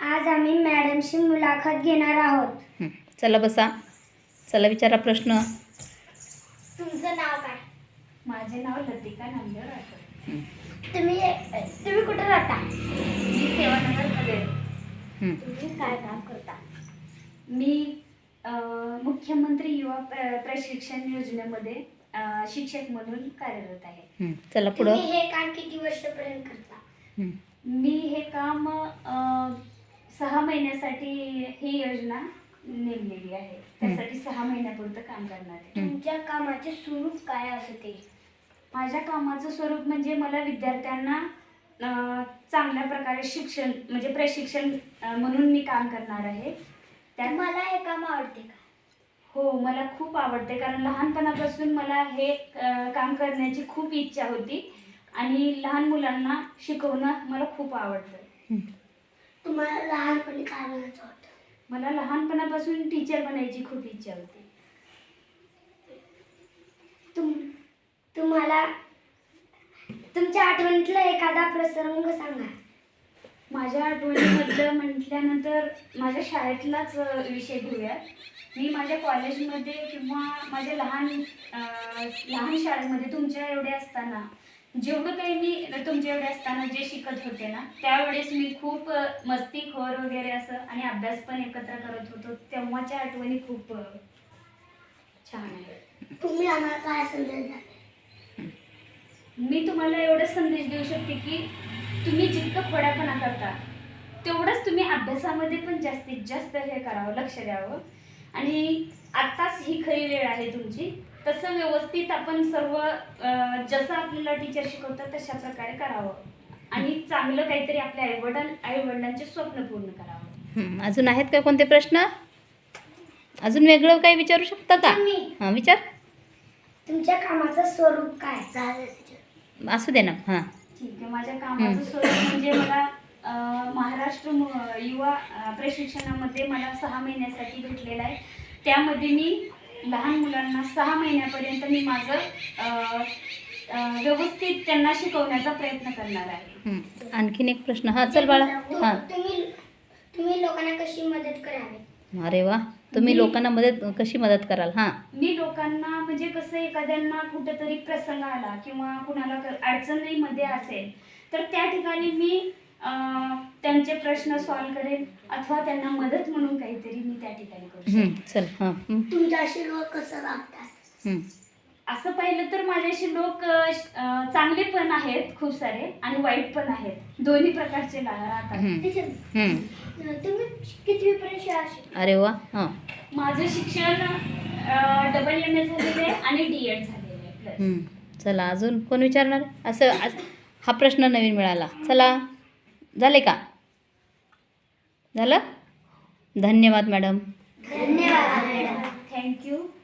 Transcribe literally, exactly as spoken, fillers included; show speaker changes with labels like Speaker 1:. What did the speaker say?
Speaker 1: आज आम्ही मॅडमशी मुलाखत घेणार आहोत.
Speaker 2: हं. चला बसा. चला विचारा प्रश्न.
Speaker 1: तुमचं नाव काय?
Speaker 3: माझे नाव लतिका नामदेव राठोड.
Speaker 2: हं.
Speaker 1: तुम्ही तुम्ही कुठे राहता?
Speaker 3: मी सेवानगरमध्ये आहे.
Speaker 2: हं.
Speaker 1: तुम्ही काय काम करता?
Speaker 3: मी अ, मुख्यमंत्री युवा प्र प्रशिक्षण योजनेमध्ये अ, शिक्षक म्हणून कार्यरत आहे.
Speaker 2: हं. चला
Speaker 1: तुम्ही
Speaker 2: पुढं.
Speaker 1: हे काम किती वर्षापर्यंत करता?
Speaker 2: हं.
Speaker 3: मी हे काम अ, सहा महिन्यासाठी ही योजना नेमलेली आहे. त्यासाठी सहा महिन्यापुरतं काम करणार आहे.
Speaker 2: हं.
Speaker 1: तुमच्या कामाचे स्वरूप काय असते?
Speaker 3: माझ्या कामाचं स्वरूप म्हणजे मला विद्यार्थ्यांना अ, चांगल्या प्रकारे शिक्षण म्हणजे प्रशिक्षण अ, म्हणून मी काम करणार आहे. त्यात
Speaker 1: तुम्हाला हे काम आवडते का?
Speaker 3: हो, मला खूप आवडते कारण लहानपणापासून मला हे अ, काम करण्याची खूप इच्छा होती आणि लहान मुलांना शिकवणं मला खूप आवडतं.
Speaker 2: हं.
Speaker 1: तुम्हाला लहानपणी काय बनायचं होतं?
Speaker 3: मला लहानपणापासून टीचर बनायची खूप इच्छा होती.
Speaker 1: तुम तुम्हाला तुमच्या आठवणीतला एखादा प्रसंग सांगा.
Speaker 3: माझ्या आठवणीमधलं म्हटल्यानंतर माझ्या शाळेतलाच अ, विषय घेऊया. मी माझ्या कॉलेजमध्ये किंवा माझ्या लहान अ, लहान शाळेमध्ये तुमच्या एवढे असताना जेवढं काही मी तुमच्या एवढे असताना जे शिकत होते ना त्यावेळेस मी खूप अ, मस्तीखोर वगैरे असं आणि अभ्यास पण एकत्र करत होतो. तेव्हाच्या आठवणी खूप अ, छान आहे.
Speaker 1: तुम्ही आम्हाला काय संदेश द्याल?
Speaker 3: मी तुम्हाला एवढंच संदेश देऊ शकते की तुम्ही जितकं खोड्यापणा करता तेवढंच तुम्ही अभ्यासामध्ये पण जास्तीत जास्त हे करावं, लक्ष द्यावं. आणि आत्ताच ही खरी वेळ आहे तुमची. तसं व्यवस्थित आपण सर्व अ, जसं आपल्याला टीचर शिकवतात तशा प्रकारे करावं आणि चांगलं काहीतरी आपल्या आईवडील आईवडिलांचे स्वप्न पूर्ण करावं.
Speaker 2: हं. अजून आहेत का कोणते प्रश्न? अजून वेगळं काही विचारू शकता का?
Speaker 1: मी
Speaker 2: हां विचार.
Speaker 1: तुमच्या कामाचं स्वरूप काय? झालं teacher.
Speaker 2: असू दे ना. हां.
Speaker 3: ठीक आहे. माझ्या कामाचं स्वरूप म्हणजे मला अ, महाराष्ट्र मु- युवा अ, प्रशिक्षणामध्ये मला सहा महिन्यासाठी भेटलेलं आहे. त्यामध्ये मी लहान मुलांना सहा महिन्यापर्यंत मी माझं अ, अ, व्यवस्थित त्यांना शिकवण्याचा प्रयत्न करणार आहे.
Speaker 2: हं. आणखीन एक प्रश्न. हां चल बाळा. हां.
Speaker 1: तुम्ही तुम्ही लोकांना कशी मदत करावी?
Speaker 2: अरे वा. तुम्ही
Speaker 3: मी-
Speaker 2: लोकांना मदत कशी मदत कराल? हां.
Speaker 3: मी लोकांना म्हणजे कसं एखाद्यांना कुठेतरी प्रसंग आला किंवा कुणाला क- अडचणीमध्ये असेल तर त्या ठिकाणी मी अं, त्यांचे प्रश्न सॉल्व करेन अथवा त्यांना मदत म्हणून काहीतरी मी त्या ठिकाणी करू शकते.
Speaker 2: हं. चल. हां. हं.
Speaker 1: तुमच्याशी लोक कसं वागतात?
Speaker 2: हं.
Speaker 3: असं पाहिलं तर माझ्याशी लोक अं, चांगले पण आहेत खूप सारे आणि वाईट पण आहेत. दोन्ही प्रकारचे ला- राहतात.
Speaker 2: हं.
Speaker 1: teacher,
Speaker 2: हं.
Speaker 1: तुम्ही कितवीपर्यंत शाळा शिकला?
Speaker 2: अरे वा. हां.
Speaker 3: माझं शिक्षण डबल एम ए झालेलं आहे आणि डी एड झालेलं आहे प्लस.
Speaker 2: हं. चला अजून कोण विचारणार? असं आज हा प्रश्न नवीन मिळाला. चला झाले का? झालं? धन्यवाद मॅडम.
Speaker 1: धन्यवाद मॅडम.
Speaker 3: थँक्यू.